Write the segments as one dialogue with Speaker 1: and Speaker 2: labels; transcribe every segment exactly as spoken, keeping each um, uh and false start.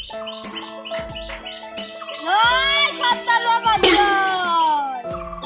Speaker 1: জয় সর্দার বাবা জয়,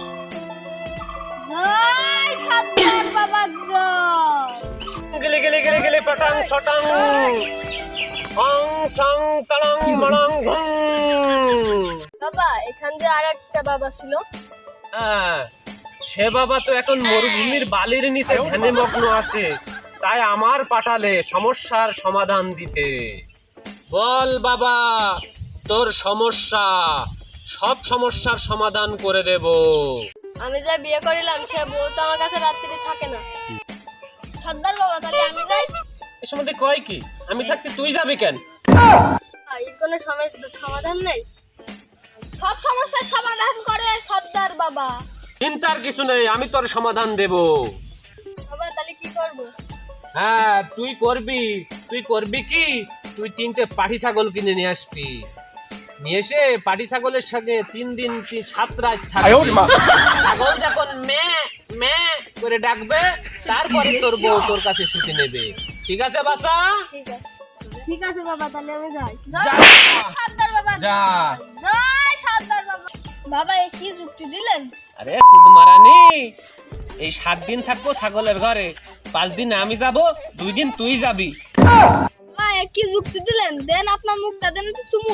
Speaker 1: জয় সর্দার বাবা জয়।
Speaker 2: গেলে গেলে গেলে গেলে পটাং সটাং অং সং তাড়াং মাড়াং ঘং।
Speaker 1: বাবা এখান যে আর একটা বাবা ছিল।
Speaker 2: হ্যাঁ, সে বাবা তো এখন মরুভূমির বালির নিচে ধ্যানে মগ্ন আছে, তাই আমার পাঠালে সমস্যার সমাধান দিতে। বল বাবা, তোর সমস্যা, সব সমস্যার সমাধান করে দেব।
Speaker 1: আমি যা বিয়ে করিলাম সে বউ তো আমার কাছে রাত্রি থাকে না। সর্দার বাবা তাহলে আমি যাই।
Speaker 2: এ সম্বন্ধে কয় কি? আমি থাকতে তুই যাবি কেন?
Speaker 1: এর কোনো সম- সমাধান নেই? সব সমস্যার সমাধান করে সর্দার বাবা।
Speaker 2: চিন্তার কিছু নেই, আমি তোর সমাধান দেব।
Speaker 1: বাবা তাহলে কি করব?
Speaker 2: হ্যাঁ, তুই করবি। তুই করবি কি? তুই তিনটে পাঠি ছাগল কিনে নিয়ে আসবি। নিয়ে এসে পাঠি ছাগলের সঙ্গে তিন দিন তিন সাত রাত থাকবি। ছাগল যখন মে মে করে ডাকবে, তারপরে তোর বউ তোর কাছে শুতে নেবে। ঠিক আছে বাচ্চা?
Speaker 1: ঠিক আছে ঠিক আছে বাবা তাহলে আমি যাই।
Speaker 2: যা।
Speaker 1: জয় সর্দার বাবা
Speaker 2: যা।
Speaker 1: জয়, জয় সর্দার বাবা। বাবা এ কি যুক্তি দিলেন?
Speaker 2: আরে শুধু মারানি, এই সাত দিন থাকবো ছাগলের ঘরে, পাঁচ দিন আমি যাব, দুই দিন তুই যাবি।
Speaker 1: বাবা এ কি যুক্তি দিলেন? দেন আপনার মুখটা দেন একটু চুমু।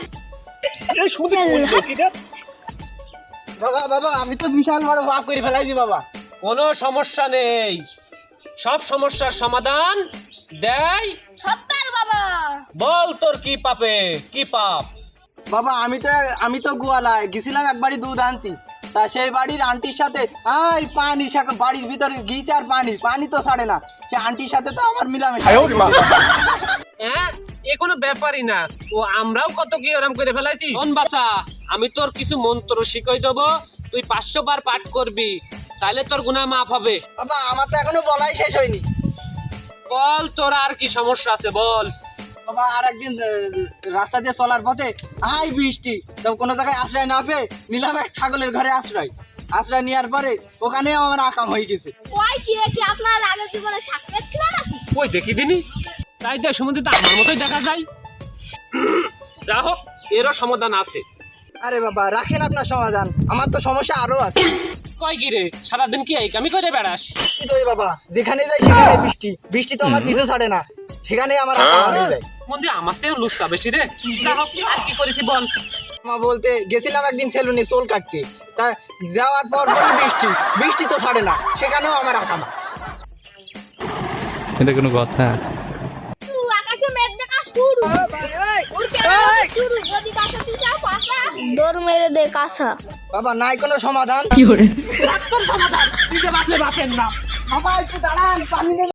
Speaker 3: বাবা বাবা আমি তো বিশাল বড় পাপ করে ফেলাইছি বাবা।
Speaker 2: কোনো সমস্যা নেই, সব সমস্যার সমাধান দেয়
Speaker 1: সর্দার বাবা।
Speaker 2: বল তোর কি পাপে, কি পাপ?
Speaker 3: বাবা আমি তো আমি তো গোয়ালায় গেছিলাম একবারই দুধ আনতি, তা সেই বাড়ির আন্টির সাথে আই পানি সে- বাড়ির ভিতরে গিয়েছে আর পানি পানি তো ছাড়ে না, সে আন্টির সাথে তো আমার মিলামেশা।
Speaker 2: হ্যাঁ, এ কোনো ব্যাপারই না। ও আমরাও কত কি ওরম করে ফেলাইছি। শোন বাছা, আমি তোর কিছু মন্ত্র শিখাই দেবো, তুই পাঁচশো বার পাঠ করবি, তাহলে তোর গুনাহ মাফ হবে।
Speaker 3: বাবা আমার তো এখনো বলাই শেষ হয়নি।
Speaker 2: বল তোর আর কি সমস্যা আছে বল।
Speaker 3: বাবা আর একদিন আহ, রাস্তা দিয়ে চলার পথে আই বৃষ্টি, তো কোনো জায়গায় আশ্রয় না পেয়ে নিলাম এক ছাগলের ঘরে আশ্রয়। আশ্রয় নেওয়ার পরে ওখানে আমার আকাম হয়ে গেছে।
Speaker 1: ওই কি এ কি আপনার আগের জীবনে সাক্ষাৎ ছিল নাকি?
Speaker 2: ওই দেখি দিনি, তাই তো সম্বন্ধে তো আমার মতোই দেখা যায়। যা হোক, এরও সমাধান আছে।
Speaker 3: আরে বাবা রাখেন আপনার সমাধান, আমার তো সমস্যা আরো আছে।
Speaker 2: কয় কি রে, সারাদিন কি এই কামি করে বেড়াস?
Speaker 3: কি তো এই বাবা, যেখানে যাই সেখানে বৃষ্টি, বৃষ্টি তো আমার পিছু ছাড়ে না, সেখানে আমার আকাম হয়ে যায়।
Speaker 2: মন্দি আমার থেকে লুচকা বেশি রে। যা হোক, আর কি করেছি বল।
Speaker 3: মা বলতে গেছিলাম একদিন সেলুনে চুল কাটতে, তা যাওয়ার পর পরই বৃষ্টি, বৃষ্টি তো ছাড়ে না, সেখানেও আমার আকাম।
Speaker 4: এটা কোনো কথা?
Speaker 1: তু আকাশে মেঘ দেখা শুরু। ওর কেন শুরু? যদি কাছে তুই যাও পাশা দৌড় মেরে দে কাঁসা।
Speaker 3: বাবা নাই কোনো সমাধান।
Speaker 2: তোর সমাধান নিজে বাঁচলে বাঁচেন না।
Speaker 3: বাবা একটু দাঁড়ান, পানি